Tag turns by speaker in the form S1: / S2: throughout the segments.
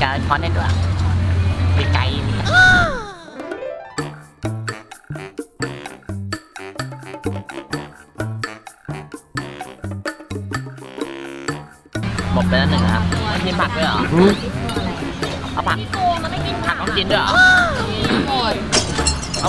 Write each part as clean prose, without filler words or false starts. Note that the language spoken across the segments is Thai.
S1: การช้อนได้ด้วยมีไก่หมดไปแล้วหนึ่งครับกินผักด้วยเหรอเอาผัก
S2: พี่โกงมันไม่กิน
S1: ผักต้องกินด้วยเหรอ
S2: หมด
S1: เอา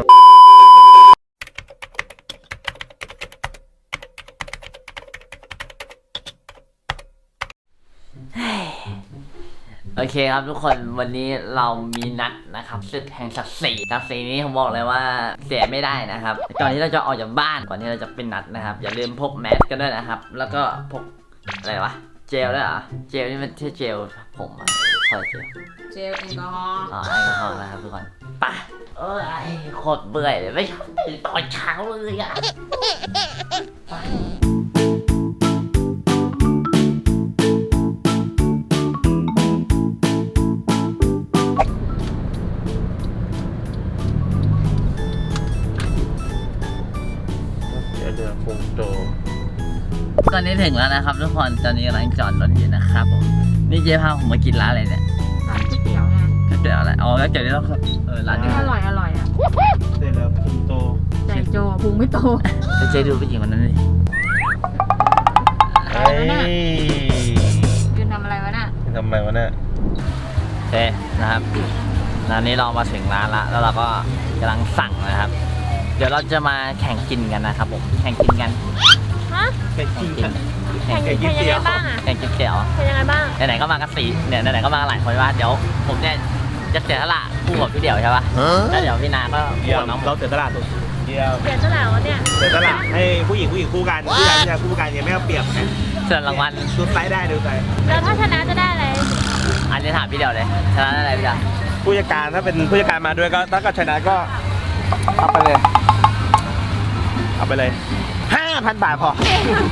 S1: โอเคครับทุกคนวันนี้เรามีนัดนะครับศึกแห่งศักดิ์ศรีนี้ผมบอกเลยว่าเสียไม่ได้นะครับก่อนที่เราจะออกจากบ้านก่อนที่เราจะเป็นนัดนะครับอย่าลืมพกแมสกันด้วยนะครับแล้วก็พกอะไรวะเจลด้วยเหรอเจลนี่มันใช่เจลผมอะคอย
S2: เจลแอลกอฮอล์
S1: แอลกอฮอล์นะครับทุกคนไปโคตรเบื่อเลยไม่ชอบตื่นตอนเช้าเลยอะตอนนี้ถึงแล้วนะครับทุกคนตอนนี้กำลังจอดรถอยู่นะครับผมนี่เจ๊พาผมมากินร้านอะไรเนี่ย
S2: ร้านก๋วยเตี๋ยวไง
S1: ก๋วยเตี๋ยวอะไรอ๋อก๋วยเตี๋ยวที่เราร้านนี้
S2: อร่อยอ่ะ
S3: เสร็จแล้วพุงโต
S2: ใจโจพุงไม่โต
S1: เจ๊ดูผู้หญิงคนนั้นดิ
S3: เฮ้ย
S2: ยืนทำอะไรวะน่ะ
S3: ทำอะไรวะเนี่ย
S1: โอเคนะครับตอนนี้เรามาถึงร้านละแล้วเราก็กำลังสั่งนะครับ เดี๋ยวเราจะมาแข่งกินกันนะครับผมแข่งกินกัน
S2: ฮะ
S3: แข่งกิน
S2: แข่งยังไงบ้างอ่ะ
S1: แข่งกินเตี๋ยว
S2: เป็นยังไงบ้าง
S1: ไหนๆก็มากันสี่เนี่ยไหนๆก็มาหลายคนว่าเดี๋ยวผมเนี่ยจะเสียสละคู่กับพี่เดี่ยวใช่ป่ะแล้วเดี๋ยวพี่นาก็
S3: คู่กับน้องเราเสียสละตัวเดียว
S2: เสียสละวะเนี่ย
S3: เสียสละให้ผู้หญิงคู่กันผู้ชายคู่กันยังไม่เอาเปรียบไง
S1: ส่วนรางวัล
S3: ดูไซส์ได้ดูไซส์
S2: แล้วถ้าชนะจะได้อะไร
S1: อันนี้ถามพี่เดี่ยวเลยชนะได้อะไรพี่เดี่ยว
S3: ผู้จัดการถ้าเป็นผู้จัดการมาด้วยก็ถ้าเกิดชนะก็เอาไปเลย5,000 บาทพอ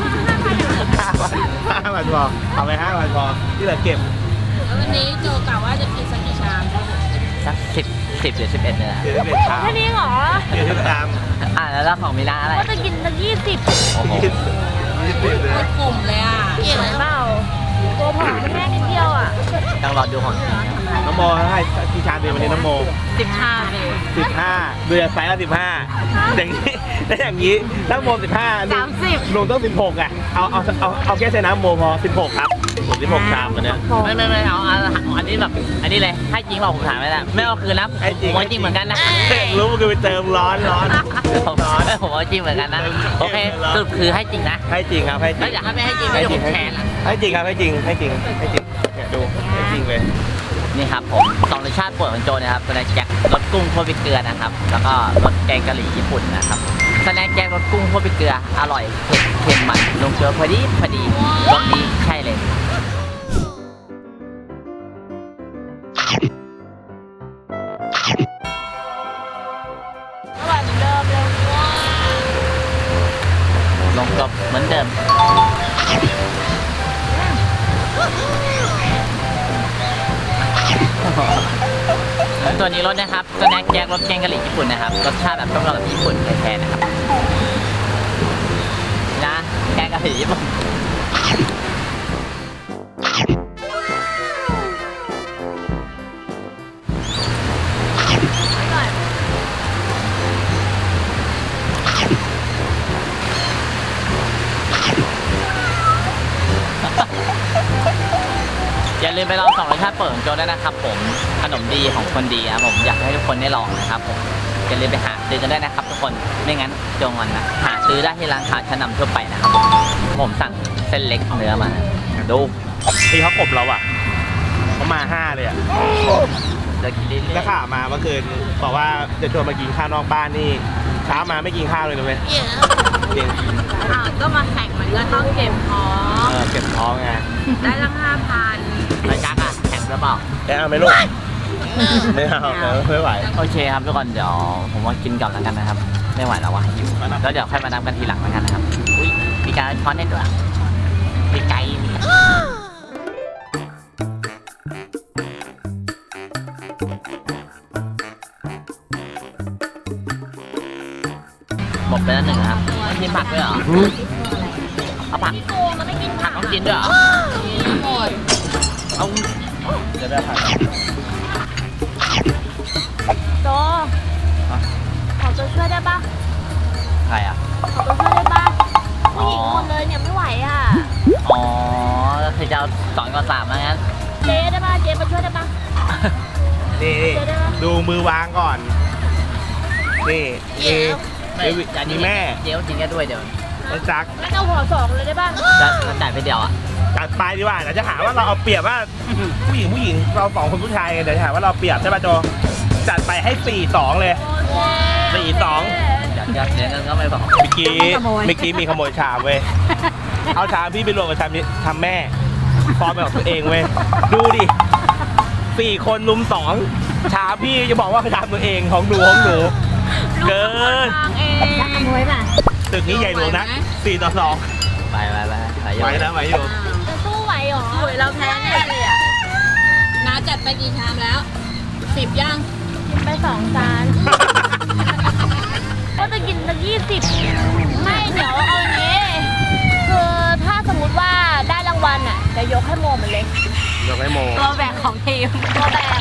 S3: 5,000พอเอาไป5,000พอที่เหลือเก็บ
S2: แล้ววันนี้โจกล่าวว่าจะกินสักกี่ชาม
S1: สัก10หรือ11เนี่ย
S3: 11 ชาม
S2: แค่นี้เหรอ
S3: 11 ชาม
S1: แล้วของมีนาอะไร
S2: ก็จะกินสัก20
S1: โอ้โห
S3: 20เลย
S2: กลุ่มเลยอ่ะเกี่ยวเปล่าตัวผอมแค่นิดเดียวอ่ะ
S1: ต้องรอดูของ
S3: น้องโมให้กี่ชามเดียววันนี้น้องโม
S2: 10 ชามเลย
S3: 15เดือนไซส์ละ15อย่างนี้ได้อย่างนี้น้องโม15
S2: 30
S3: หนูต้อง16อ่ะเอาแค่ใช้น้ำโมพอ16ครับผม16 ชามวันนี้
S1: ไม่เอาอันนี้แบบอันนี้เลยให้จริงเปล่าผมถามไม่ได้ไม่เอาคืนนะผมว่าจริงเหมือนกันนะ
S3: รู้มันคือไปเติมร้อน
S1: ผมว่าจริงเหมือนกันนะโอเคสรุปคือให้จริงนะ
S3: ให้จริงครับให้จริง
S1: แล้วอยากให้ไม่ให้จริงไม่ได้ผมแทน
S3: ให้จริงครับให้จริงเนี่ยดูให้จริงเลย
S1: นี่ครับผม2รสชาติโปรดของโจนะครับสแน็คแจ็ครสกุ้งคั่วพริกเกลือนะครับแล้วก็รสแกงกะหรี่ญี่ปุ่นนะครับสแน็คแจ็ครสกุ้งคั่วพริกเกลืออร่อยเค็มมันลงเกลือพอดีรสนี้ใช่เลย
S2: อร่อยเหมือนเดิมเลยว้า
S1: ลงกับเหมือนเดิมตัวนี้รสนะครับสแน็คแจ็ครสแกงกะหรี่ญี่ปุ่นนะครับรสชาติแบบต้มยำแบบญี่ปุ่นแท้ๆนะครับนะแกงกะหรี่ญี่ปุ่นอย่าลืมไปลอง2รสชาติเปิดของโจได้นะครับผมขนมดีของคนดีครับผมอยากให้ทุกคนได้ลองนะครับผมอย่าลืมไปหาซื้อกันได้นะครับทุกคนไม่งั้นโจงอนนะหาซื้อได้ที่ร้านค้าชั้นนำทั่วไปนะครับผมสั่งเส้นเล็กเนื้อมาดู
S3: ที่เขากบเราอ่ะเขามา5เลยอ่ะ
S1: จะกินลิ้น
S3: แล้วข่าวมาเมื่อคืนบอกว่าจะชวนมากินข้าวนอกบ้านนี่เช้ามาไม่กินข้าวเลยนะเว้ย
S2: ก็มาแข่งมันก็ต้องเก็บท้อง
S3: เก็บท้องไง
S2: ได้ละ5,000
S1: แล้วจักอ่ะแข่งหรือเปล่า
S3: เอาไหมลูกไม่เอาไม่ไหว
S1: โอเคครับทุกคนเดี๋ยวผมว่ากินก่อนแล้วกันนะครับไม่ไหวแล้ววะหิวแล้วเดี๋ยวค่อยมานับกันทีหลังแล้วกันนะครับอุ้ยมีการช้อนได้ด้วยมีไก่หมดไปแล้วหนึ่งครับกินผักด้วยเหรอเอาผัก
S2: พี่โกงมันไม่กินผัก
S1: ต้องกินด้วยเหรอ
S2: หมด
S1: เอาเดี๋ยว
S3: ยวได้ผ่าน
S2: โตขอตัวช่วยได้ปะ
S1: ใครอ่ะ
S2: ขอตัวช่วยได้ปะผู้หญิงหมดเลยเนี่ยไม่ไหวอ่ะ
S1: อ๋อก็คือจะเอา2 ก่อน 3มางั้น
S2: เจ๊ได้ปะเจ๊มาช่วยได้ปะ
S3: นี่ดูมือวางก่อน นี่นี่มีแม่
S1: เดี๋ยวจริงแค่ด้วยเดี๋ยว
S3: ไอ้จัก
S2: งั้นเอาห่อ2เลยได้ปะ
S1: จะจ่ายไปเดียวอ่ะ
S3: จัดไปดีกว่าเดี๋ยวจะหาว่าเราเอาเปรียบว่าผู้หญิงเรา2 คนผู้ชายกันเดี๋ยวจะหาว่าเราเปรียบใช่ป่ะโจจัดไปให้ 4-2 เลย 4-2
S1: อยากเสียเงินก็ไม่บอก
S3: เมื่อกี้มีขโมยชามเว้ย เอาชามพี่ไปรวมกับชามแม่พร้อมไปกับตัวเองเว้ย ดูดิ 4 คนลุม 2 ชามพี่จะบอกว่าชามตัวเองของหนู เกิน
S2: ทางเอง
S4: ขโมยป่ะ
S3: ตึกนี้ใหญ่หลวงนะ4-2
S1: ไป
S3: ไหวแล้วไหวอยู่
S2: จะสู้ไหวเหรอสวยเราแพ้แน่เลยอ่ะ
S4: น้าจัดไปกี่ชามแล้ว10ย่าง
S2: กินไป2 จานก็จะกินสัก20ไม่เดี๋ยวเอาอย่างนี้คือถ้าสมมติว่าได้รางวัลอ่ะจะยกให้โมมันเลย
S3: ยกให้โม
S2: ตัวแบกของทีมตัวแบก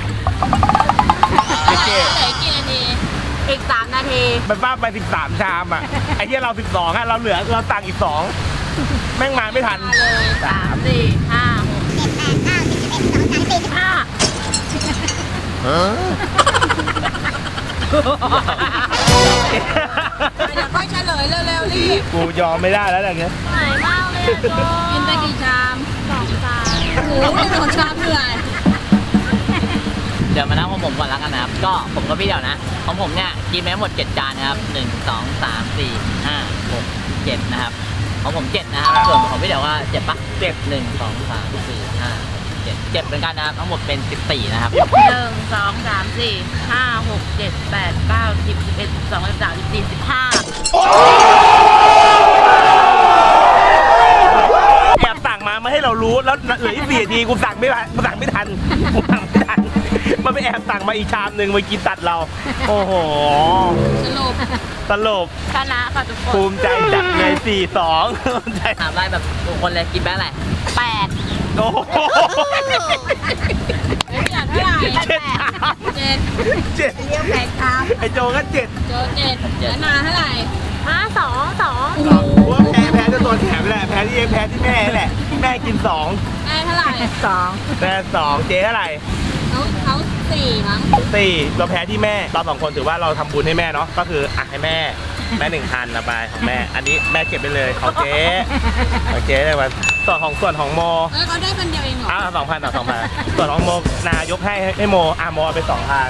S3: พี่เจ
S4: เหลือกี่นาที
S2: อีก3 นาที
S3: มันป้าไป 13 ชามอ่ะ ไอ้ที่เรา 12 อ่ะ เราเหลือเราสั่งอีก 2 แม่งมาไม่ทัน
S2: มาเลย3 4 5 6 15
S4: เดี๋ยวค่อยเฉลยเร็วๆรีบ
S3: กูยอมไม่ได้แล้วอย่างเงี้ย
S2: เหนื่อยมากเลยอะโจ
S4: กินไปกี่ชาม
S2: 2 จาน
S4: โอ้โห2ชามเหนื่อย
S1: เดี๋ยวมานั่งของผมก่อนแล้วกันนะครับ ก็ผมก็พี่เดี๋ยวนะ ของผมเนี่ยกินไปทั้งหมด7 จานนะครับ1 2 3 4 5 6 7นะครับ ของผม7นะครับ ส่วนของพี่เดี๋ยวว่า7ปะ7 1 2 3 4 5 7เหมือนกันนะครับ ทั้งหมดเป็น14นะครับ
S2: 1 2 3 4 5 6 7 8 9 10 11 12 13 14 15
S3: แอบสั่งมาไม่ให้เรารู้แล้วเหลืออีก4 นาทีกูสั่งไม่ทันมันไปแอบสั่งมาอีกชามหนึ่งมากินตัดเรา โอ้โห
S4: สรุป
S3: ตลบ
S2: ชนะค่ะทุกค
S3: ภู
S2: น
S3: มิใจจัดเลย4-2ภูมิใจ
S1: ถามได้แบบทุกคนเลยกินแบงค์อะไร
S2: 8
S3: โอ้โห
S4: เฮ้ยอยากเท่าไหร่
S3: 7 ชาม
S4: 7
S3: 7
S4: เรียกแขกชาม
S3: ไอโจก็7
S4: โจ7แล้วนาเท่าไหร่
S2: 5 2
S3: ว่าแพ้จะตัวแถมแหละแพ้ที่แม่แหละแม่กิน2
S4: ได้เท่าไหร่
S3: แม่2เจ๊เท่าไหร่
S4: เขา4มั้ง
S3: 4เราแพ้ที่แม่เรา2 คนถือว่าเราทำบุญให้แม่เนาะก็คืออ่ะให้แม่ 1,000นะบายของแม่ อันนี้แม่เก็บไปเลยของเจ๊เลยวันส่วนของโม
S4: เขาได้คนเดียวเองเหรอ
S3: 2,000ต่อ2,000ส่วนของโมนายกให้โมโมเอาไป 2,000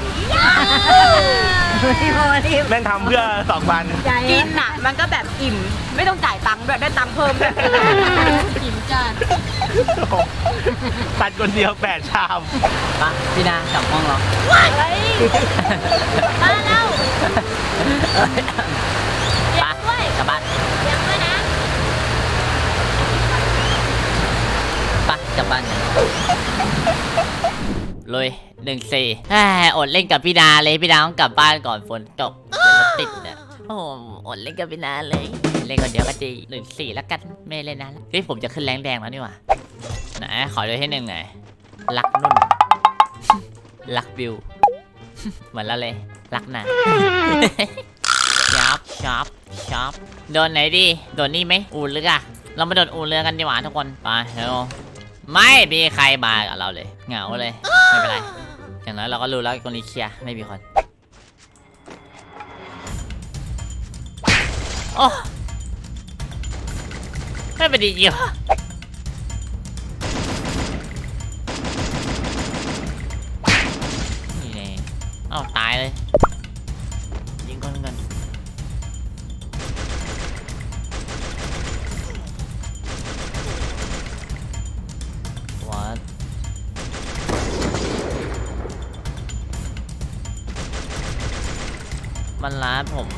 S3: แม่งทำเพื่อ 2,000
S2: กินอ่ะ มันก็แบบอิ่ม ไม่ต้องจ่ายตังค์ด้วยได้ตังค์เพิ่มด้วย
S4: อิ่มจัด
S3: ตัดคนเดียว8 ชาม
S1: ปะพี่นากลับห้องเรา
S2: เฮ้ยมาแล้ว
S1: ปะกลับบ้าน
S2: ยังด้วยนะ
S1: ปะกลับบ้านกันลุย1-4อดเล่นกับพี่นาเลยพี่นาต้องกลับบ้านก่อนฝนตกเดี๋ยวรถติดเนี่ยโอ้อดเล่นกับพี่นาเลยเล่นคนเดียวก็ดี1-4แล้วกันไม่เล่นนะเฮ้ยผมจะขึ้นแรงแดงแล้วนี่หว่าไหนขอด้วยให้1หน่อยรักนุ่น รักบิว เหมือนแล้วเลยรักนะ ช็อปโดนไหนดีโดนนี่ไหมอู่เรือเรามาโดนอู่เรือกันดีกว่าทุกคนไปเร็วไม่มีใครมากับเราเลยเหงาเลยไม่เป็นไรอย่างน้อยเราก็รู้แล้วคนนี้เคลียร์ไม่มีคนโอ้ไม่เป็นดีจริงวะนี่ไงเอ้าตายเลยยิงคนกัน What มันร้านผม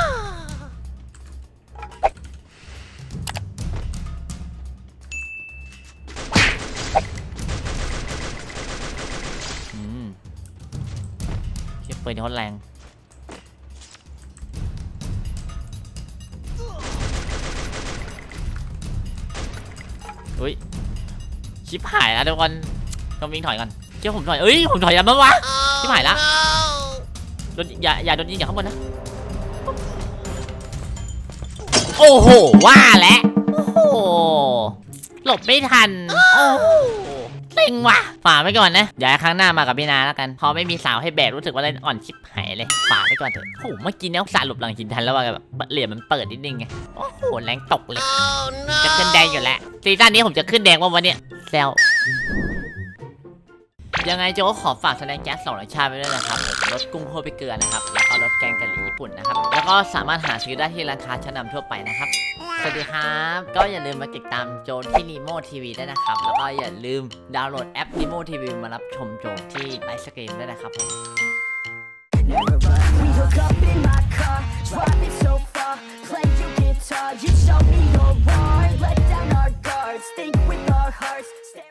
S1: เก็บปืนที่เขาแรง อุ้ย ชิปหายแล้วทุกคนต้องวิ่งถอยก่อนเจ้าผมถอยผมถอยยังมั้งวะที่หายละโดนอย่าโดนยิงจากข้างบนนะโอ้โหว่าแล้วโอ้โหหลบไม่ทันโอ้โหเซ็งว่ะฝ่าไปก่อนนะอย่าให้ครั้งหน้ามากับพี่นาแล้วกันพอไม่มีสาวให้แบกรู้สึกว่าเล่นอ่อนชิบหายเลยฝ่าไปก่อนเถอะโอ้โหเมื่อกี้เนี่ยสารหลบหลังหินทันแล้วว่าแบบเหลี่ยมมันเปิดนิดนึงไงโอ้โหแรงตกเลยจะขึ้นแดงอยู่แล้วซีซั่นนี้ผมจะขึ้นแดงว่าวันเนี้ยแซวยังไงโจก็ขอฝากแสดงแก๊ส2 รสชาติไปด้วยนะครับผมรสกุ้งโคไปเกลือนะครับแล้วก็รสแกงกะหรี่ญี่ปุ่นนะครับแล้วก็สามารถหาซื้อได้ที่ร้านค้าชั้นนำทั่วไปนะครับสวัสดีครับก็อย่าลืมมาติดตามโจที่ Nemo TV ด้วยนะครับแล้วก็อย่าลืมดาวน์โหลดแอป Nemo TV มารับชมโจที่ไลฟ์สตรีมด้วยนะครับผม
S5: We hook up in my car, driving so far. Play your guitar, you show me your heart. Let down our guards, think with our hearts.